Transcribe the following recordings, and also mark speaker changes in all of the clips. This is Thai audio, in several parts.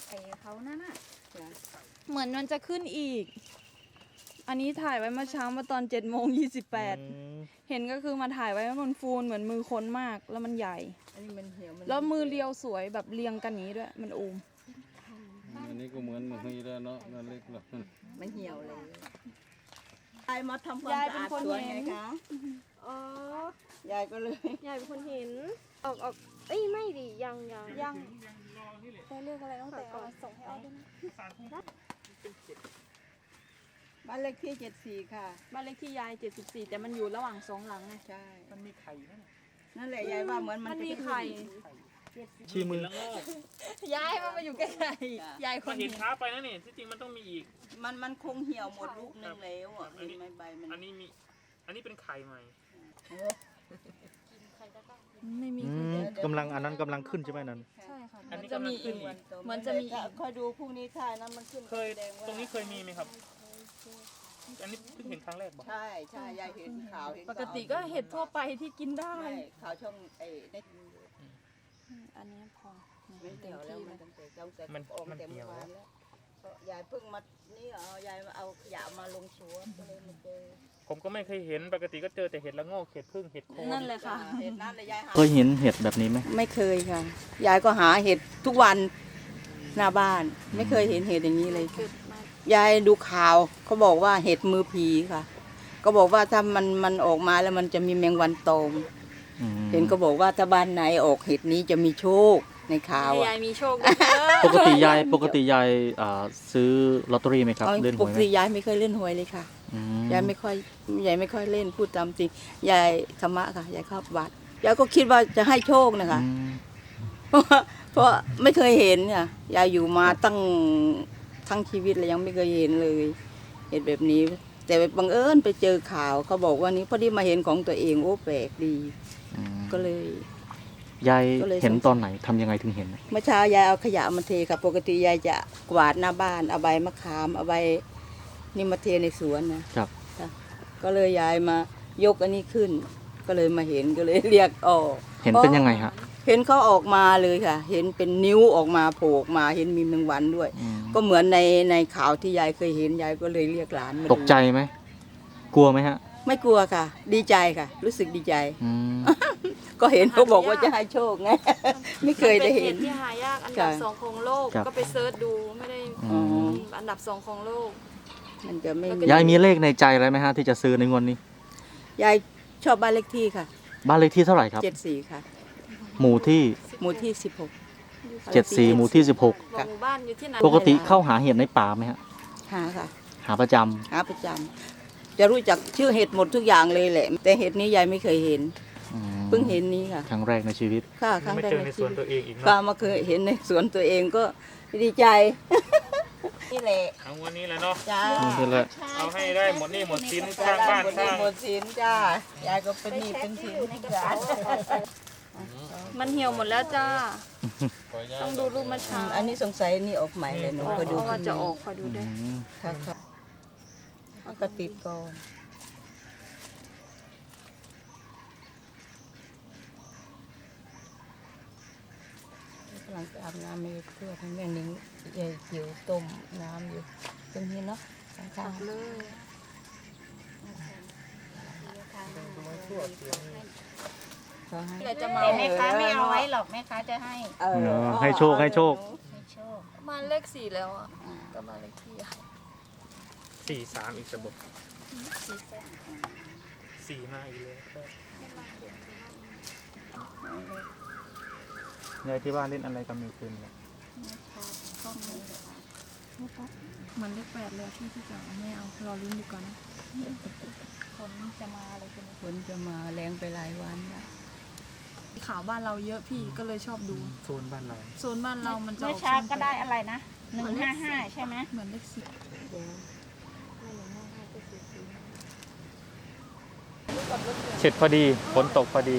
Speaker 1: ไอ้เขานั่นน่ะ
Speaker 2: เหมือนมันจะขึ้นอีก อันนี้ถ่ายไว้เมื่อเช้ามาตอน7:28เห็นก็คือมาถ่ายไว้มันฟูนเหมือนมือคนมากแล้วมันใหญ่
Speaker 1: อันนี้มันเหี่ยวมัน
Speaker 2: แล้วมือเรียวสวยแบบเรียงกันอย่างนี้ด้วยมันอูม
Speaker 3: อันนี้ก็เหมือนมือแล้วเนาะนั่นเล็กหรอก
Speaker 1: มันเหี่ยวเลยยายมาทำความสะอาดสวนไงคะ
Speaker 4: อ๋อย
Speaker 1: ายก็เลย
Speaker 4: ยายเป็นคนเห็นออกเอ้ยไม่ดิยัง
Speaker 2: ยังแต่เรียกอะไรต้องแต่ส่งให้เอาด้วยนะ
Speaker 1: บ้านเลขที่74ค่ะ
Speaker 2: บ้านเลขที่ยาย74แต่มันอยู่ระหว่าง2หลังไง
Speaker 1: ใช่
Speaker 5: มันมีไข่ไหม
Speaker 1: นั่นแหละยายว่าเหมือน
Speaker 2: มัน
Speaker 1: จะ
Speaker 2: มี
Speaker 1: ขึ้น
Speaker 2: ไข่
Speaker 5: ชี้มือแล้ว
Speaker 2: ยายมันมาอยู่ใกล้ๆยายค
Speaker 5: ก็
Speaker 2: น
Speaker 5: เห็
Speaker 2: เห็
Speaker 5: น
Speaker 2: น
Speaker 5: ช้าไปนะนี่ที่จริงมันต้องมีอีก
Speaker 1: มันคงเหี่ยวหมดลูกนึงแล้วอ่ะเห็นไหมใบมัน
Speaker 5: อันนี้มี อันนี้เป็นไข่ใหม่
Speaker 2: ไม่มี
Speaker 6: กำลังอันนั้นกำลังขึ้นใช่ไหมนั้น
Speaker 2: ใช่ค่ะ
Speaker 5: อันนี้
Speaker 2: จะ
Speaker 5: กำลั
Speaker 2: มี
Speaker 5: งขึ้
Speaker 2: อี
Speaker 5: น
Speaker 2: ก
Speaker 5: อีก
Speaker 2: เหมือนจะมีอีก
Speaker 1: คอยดูพรุ่งนี้ถ่ายนะมันขึ้น
Speaker 5: เคย
Speaker 1: แสดว่า
Speaker 5: ตรงนี้เคยมีไหมครับ อันนี้เพิ่งเห็นครั้งแรกบอก
Speaker 1: ใช่ยายเห็นข่าวเห็น
Speaker 2: ปกติก็เห็ดทั่วไปที่กินได้
Speaker 1: ใช่ข่าวช่องใน
Speaker 2: อันนี้พอ
Speaker 1: ไม่เหี่ยวแล้วมันตั้งแต่ออกแต่เมื่อวานแล้วก็ยายเพิ่งมานี่ยายมาเอาขยะมาลงสวนก็เลยมาเจอ
Speaker 5: ผมก็ไม่เคยเห็น ปกติก็เจอแต่เห็ดละโงกเห็ดพึ่งเห็ดโคน
Speaker 2: นั่นแหละค่ะ
Speaker 1: เห็ดนั่นเลยยายหา
Speaker 6: เคยเห็นเห็ดแบบนี้ไหม
Speaker 1: ไม่เคยค่ะ ยายก็หาเห็ดทุกวันหน้าบ้าน ไม่เคยเห็นเห็ดอย่างนี้เลยค่ะยายดูข่าวเขาบอกว่าเห็ดมือผีค่ะ ก็บอกว่าถ้ามันออกมาแล้วมันจะมีแมงวันตอม
Speaker 6: อืม
Speaker 1: เห็นก็บอกว่าถ้าบ้านไหนออกเห็ดนี้จะมีโชคในข่าว
Speaker 2: ให้
Speaker 1: อ่ะ
Speaker 2: ยายมีโชคด้วยเถอะ
Speaker 6: ปกติยายซื้อลอตเตอรี่ไหมครับ เล่นห
Speaker 1: ป
Speaker 6: วย
Speaker 1: ก
Speaker 6: ไหม
Speaker 1: ติยายไม่เคยเล่นหวยเลยค่ะ
Speaker 6: อืม
Speaker 1: ยายไม่ค่อยเล่นพูดตามจริงยายธรรมะค่ะยายเข้าวัดยายก็คิดว่าจะให้โชคนะคะ
Speaker 6: อืม
Speaker 1: เพราะไม่เคยเห็นเนี่ยยายอยู่มาทั้งชีวิตเลยยังไม่เคยเห็นเลยเห็นแบบนี้ แต่บังเอิญไปเจอข่าวเขาบอกว่านี้พอดีมาเห็นของตัวเองโอ้แปลกดี
Speaker 6: อืม
Speaker 1: ก็เลย
Speaker 6: ยาย
Speaker 1: ก็เลย
Speaker 6: เห็นตอนไหนทำยังไงถึงเห็น
Speaker 1: เมื่อเช้ายายเอาขยะมาเทค่ะปกติยายจะกวาดหน้าบ้านเอาใบมะขามเอาใบนี่มาเทในสวนนะครับ ก็เลยยายมายกอันนี้ขึ้น ก็เลยมาเห็นก็เลยเรียกออก
Speaker 6: เห็นเป็นยังไงฮะ
Speaker 1: เห็นเขาออกมาเลยค่ะ เห็นเป็นนิ้วออกมาโผล่ออกมาเห็นมีแมงวันด้วย
Speaker 6: อืม
Speaker 1: ก็เหมือนในข่าวที่ยายเคยเห็นยายก็เลยเรียกหลานมาดู
Speaker 6: ตกใจไหมกลัวไหมฮะ
Speaker 1: ไม่กลัวค่ะ ดีใจค่ะ รู้สึกดีใจ
Speaker 6: อืม
Speaker 1: ก็เห็นเขาบอกว่าจะให้โชคไง ไม่เคยได้เห็น
Speaker 2: มันเป็นเห็ดที่หายากอันดับ
Speaker 1: ค่ะ
Speaker 2: 2ของโลก
Speaker 6: ครับ
Speaker 2: ก็ไปเซิร์ชดูไม่ได้
Speaker 6: อืม
Speaker 2: อันดับ2ของโลก
Speaker 1: มันจะไม่มี
Speaker 6: ยายมีเลขในใจอะไรไหมฮะที่จะซื้อในงวดนี้
Speaker 1: ยายชอบบ้านเลขที่ค่ะ
Speaker 6: บ้านเลขที่เท่าไหร่ครับ
Speaker 1: 74ค่ะ
Speaker 6: หมู่ที่
Speaker 1: หมู่ที่
Speaker 6: 74หมู่ที่
Speaker 2: บอกหมู่บ้านอยู่ที่ไหน
Speaker 6: 16ปกติเข้าหาเห็ดในป่าไหมฮะ
Speaker 1: หาค่ะ
Speaker 6: หาประจำ
Speaker 1: หาประจำจะรู้จักชื่อเห็ดหมดทุกอย่างเลยแหละ แต่เห็ดนี้ยายไม่เคยเห็น
Speaker 6: อืม
Speaker 1: เพิ่งเห็นนี้ค่ะ
Speaker 6: ครั้งแรกในชีวิต
Speaker 1: ค่ะครั้ง
Speaker 5: ไม่
Speaker 1: แรก
Speaker 5: เจอ
Speaker 1: ใน
Speaker 5: ในส
Speaker 1: ชี
Speaker 5: วน
Speaker 1: วิต
Speaker 5: ตัวเองอีก
Speaker 1: ก็
Speaker 5: เนาะ
Speaker 1: มาเคยเห็นในสวนตัวเองก็ดีใจ นี่แหละ
Speaker 5: เอาวันนี้แหละเนาะ
Speaker 1: จ้า
Speaker 6: นี่แหละ
Speaker 5: เอาให้ได้หมดหนี่หมดสินสร้างบ้านสร้าง
Speaker 1: หมดสินจ้ายายก็เป็นหนี้เป็นสินทุกอย่าง
Speaker 2: มันเหี่ยวหมดแล้วจ้า ต้องดูรูปเมื่อเช้า
Speaker 1: อันนี้สงสัยนี่ออกใหม่เลยหนูก็ดู
Speaker 2: ว่าจะออกคอยดู
Speaker 6: อื
Speaker 2: ด้วย
Speaker 6: ม
Speaker 1: ค่ะค่ะเอาก็ติดก่อนกำลังจะอาบน้ำไม่เพื่อให้แม่นิ้งยายจิ๋วต้มน้ำอยู่ตรงนี้เนาะข้างๆ
Speaker 2: เลย เราจะมา
Speaker 4: แต่แม่ค้าไม่เอาไว้หรอกแม่ค้าจะให้
Speaker 6: ให้โชคให้โชค
Speaker 4: ให้โชค
Speaker 2: มาเลข4แล้วอ่ะก็มาเลขที่อะ
Speaker 5: 43อีกระบบ4มาอีกเลยครับ
Speaker 6: ยายที่บ้านเล่นอะไรกันมีคืนเนี่ย
Speaker 2: มันเลข8เลยที่จะไม่เอารอลุ้นดีกว่านะ
Speaker 4: คนจะมาอะไรกัน
Speaker 1: ฝนจะมาแรงไปหลายวันแล้ว
Speaker 2: ข่าวบ้านเราเยอะพี่ก็เลยชอบดู
Speaker 5: โซนบ้านเรา
Speaker 2: โซนบ้านเรามันจะ
Speaker 4: เมื่อเช้าก็ได้อะไรนะ155ใช่ไหม
Speaker 2: เหมือนเลข10
Speaker 6: เสร็จพอดีฝนตกพอดี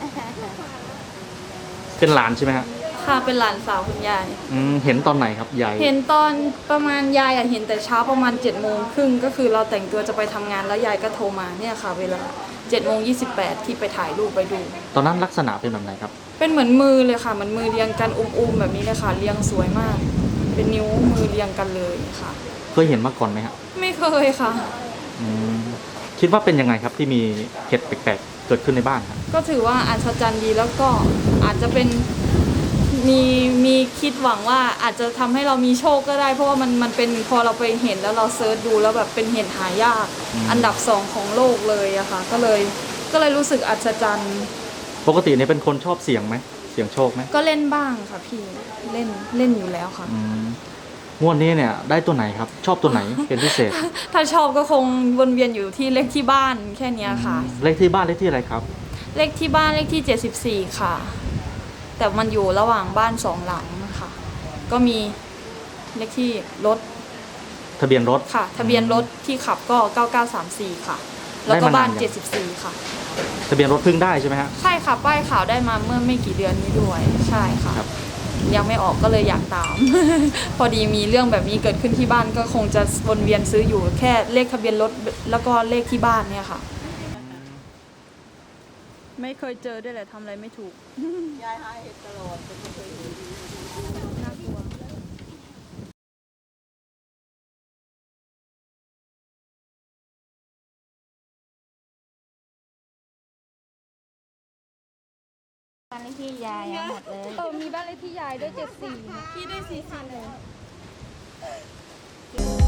Speaker 6: เป็นหลานใช่ไหมฮะ
Speaker 2: ค่ะเป็นหลานสาวคุณยาย
Speaker 6: เห็นตอนไหนครับยาย
Speaker 2: เห็นตอนประมาณยายเห็นแต่เช้าประมาณ7:30ก็คือเราแต่งตัวจะไปทำงานแล้วยายก็โทรมาเนี่ยค่ะ เวลา7:28ที่ไปถ่ายรูปไปดู
Speaker 6: ตอนนั้นลักษณะเป็นแบบไหนครับ
Speaker 2: เป็นเหมือนมือเลยค่ะเหมือนมือเรียงกันอุ้มๆแบบนี้เลยค่ะเรียงสวยมากเป็นนิ้วมือเรียงกันเลยค่ะ
Speaker 6: เคยเห็นมาก่อนไหมครับ
Speaker 2: ไม่เคยค่ะ
Speaker 6: อืมคิดว่าเป็นยังไงครับที่มีเห็ดแปลกๆเกิดขึ้นในบ้านครับ
Speaker 2: ก็ถือว่าอัศจรรย์ดีแล้วก็อาจจะเป็นมีคิดหวังว่าอาจจะทำให้เรามีโชคก็ได้ เพราะว่ามันเป็นพอเราไปเห็นแล้วเราเซิร์ชดูแล้วแบบเป็นเห็ดหายากอันดับ2ของโลกเลยอะค่ะก็เลยรู้สึกอัศจรรย์
Speaker 6: ปกติเนี่ยเป็นคนชอบเสี่ยงไหมเสี่ยงโชคไหม
Speaker 2: ก็เล่นบ้างค่ะพี่เล่นอยู่แล้วค่ะ
Speaker 6: อืมงวดนี้เนี่ยได้ตัวไหนครับ ชอบตัวไหนเป็นพิเศษ
Speaker 2: ถ้าชอบก็คงวนเวียนอยู่ที่เลขที่บ้านแค่เนี้ยค่ะ
Speaker 6: เลขที่บ้านเลขที่อะไรครับ
Speaker 2: เลขที่บ้านเลขที่74ค่ะ แต่มันอยู่ระหว่างบ้าน2หลังค่ะก็มีเลขที่รถ
Speaker 6: ทะเบียนรถ
Speaker 2: ค่ะทะเบียนรถที่ขับก็9934ค่ะแล้วก็บ้าน74ค่ะ
Speaker 6: ทะเบียนรถเพิ่งได้ใช่ไหมฮะ
Speaker 2: ใช่ค่ะป้ายขาวได้มาเมื่อไม่กี่เดือนนี้ด้วยใช่ค่ะ
Speaker 6: ครับ
Speaker 2: ยังไม่ออกก็เลยอยากตาม พอดีมีเรื่องแบบนี้เกิดขึ้นที่บ้านก็คงจะวนเวียนซื้ออยู่แค่เลขทะเบียนรถแล้วก็เลขที่บ้านเนี่ยค่ะ ไม่เคยเจอด้วยแหละทำอะไรไม่ถูก
Speaker 1: ยายหาเห็ดตลอดแต่ไม่เคยเห็น
Speaker 2: น่ากลัว
Speaker 4: บ้านเลขที่ยายหมดเลยมีบ้านเลขที่ยายด้วย74พี่ได้44เลย